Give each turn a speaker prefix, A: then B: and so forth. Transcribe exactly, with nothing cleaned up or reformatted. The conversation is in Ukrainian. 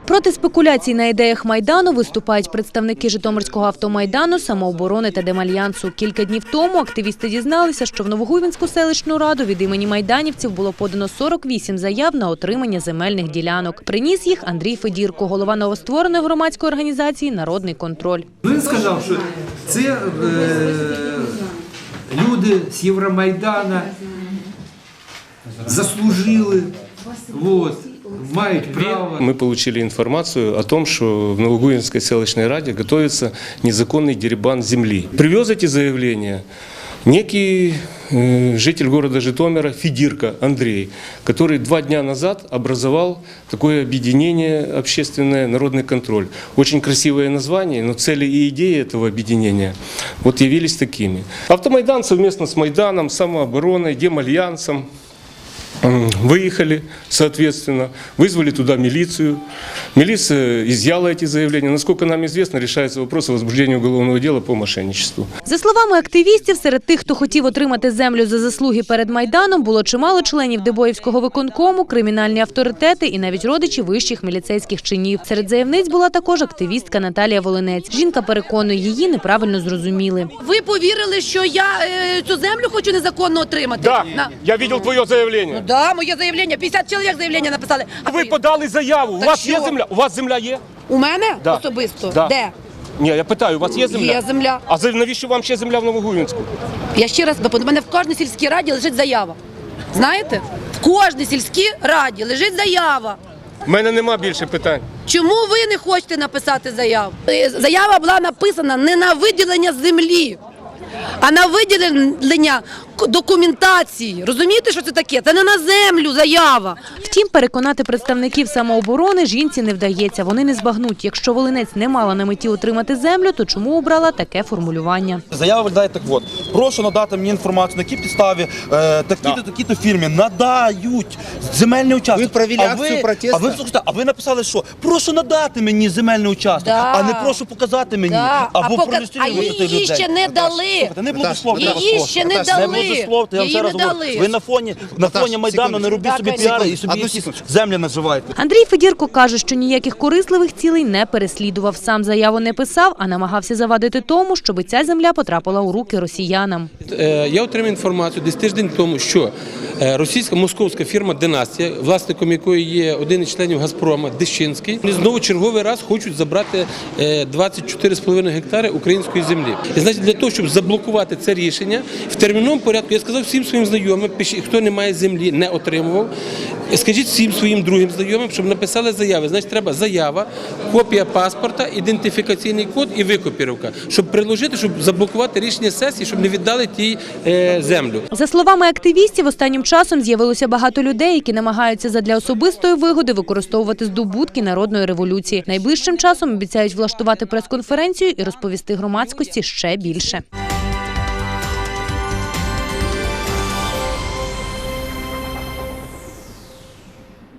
A: Проти спекуляцій на ідеях Майдану виступають представники Житомирського автомайдану, самооборони та Демальянсу. Кілька днів тому активісти дізналися, що в Новогуйвинську селищну раду від імені майданівців було подано сорок вісім заяв на отримання земельних ділянок. Приніс їх Андрій Федірко, голова новоствореної громадської організації «Народний контроль».
B: Він сказав, що це е, люди з Євромайдана заслужили, вот, мають право.
C: Мы получили информацию о том, что в Новогуйвинской селищной раде готовится незаконный дерибан земли. Привез эти заявления некий э, житель города Житомира Федирко Андрей, который два дня назад образовал такое объединение общественное «Народный контроль». Очень красивое название, но цели и идеи этого объединения вот явились такими. Автомайдан совместно с Майданом, самообороной, Демальянсом выехали, соответственно, вызвали туда милицию. Милиция изъяла эти заявления. Насколько нам известно, решается вопрос о возбуждении уголовного дела по мошенничеству.
A: За словами активістів, серед тих, хто хотів отримати землю за заслуги перед Майданом, було чимало членів Дебоївського виконкому, кримінальні авторитети і навіть родичі вищих міліцейських чинів. Серед заявниць була також активістка Наталія Волинець. Жінка переконує, її неправильно зрозуміли.
D: Ви повірили, що я е, цю землю хочу незаконно отримати?
C: Да,
D: На...
C: я видел твое заявление.
D: Да, моє заявлення. п'ятдесят чоловік заявлення написали. А
C: Ви подали заяву. У
D: Так
C: вас
D: що?
C: є земля? У вас земля є?
D: У мене
C: Да.
D: особисто?
C: Да.
D: Де?
C: Ні, я питаю, у вас є земля?
D: Є земля.
C: А за- навіщо вам ще земля в Новогуйвинську?
D: Я ще раз допомогу. У мене в кожній сільській раді лежить заява. Знаєте? В кожній сільській раді лежить заява.
C: У мене нема більше питань.
D: Чому ви не хочете написати заяву? Е, Заява була написана не на виділення землі, а на виділення документації. Розумієте, що це таке? Це не на землю заява.
A: Втім, переконати представників самооборони жінці не вдається. Вони не збагнуть. Якщо Волинець не мала на меті отримати землю, то чому обрала таке формулювання?
E: Заява виглядає так от. Прошу надати мені інформацію, на якій підставі е, такі-то, такі-то фірмі надають земельний участок.
F: Ви провели акцію протесту?
E: А ви, слухайте, а ви написали, що? Прошу надати мені земельний участок,
D: Да.
E: а не прошу показати мені.
D: Да.
E: Або
D: А пока-
E: проілюструвати
D: а її
E: людей.
D: ще не дали.
E: Слухайте, не благословте.
D: Її ще не
E: Не
D: дали.
E: благословте, я вам
D: Її
E: ще раз
D: не
E: говорю.
D: дали.
E: Ви на фоні, на
F: Наташ,
E: фоні Майдану не робіть
D: Так,
E: собі
D: конечно.
E: піари і собі
F: Одну
E: якісь
F: секундочку.
E: землі називайте.
A: Андрій Федірко каже, що ніяких корисливих цілей не переслідував. Сам заяву не писав, а намагався завадити тому, щоб ця земля потрапила у руки росіянам.
G: Я отримав інформацію десь тиждень тому, що російська московська фірма «Династія», власником якої є один із членів «Газпрома» Дещинський, вони знову черговий раз хочуть забрати двадцять чотири з половиною гектари української землі. І, значить, для того, щоб заблокувати це рішення, в терміновому порядку я сказав всім своїм знайомим, хто не має землі, не отримував, скажіть всім своїм другим знайомим, щоб написали заяви. Значить, треба заява, копія паспорта, ідентифікаційний код і викопірівка, щоб приложити, щоб заблокувати рішення сесії, щоб не віддали тій е, землю.
A: За словами активістів, останнім часом з'явилося багато людей, які намагаються задля особистої вигоди використовувати здобутки народної революції. Найближчим часом обіцяють влаштувати прес-конференцію і розповісти громадськості ще більше.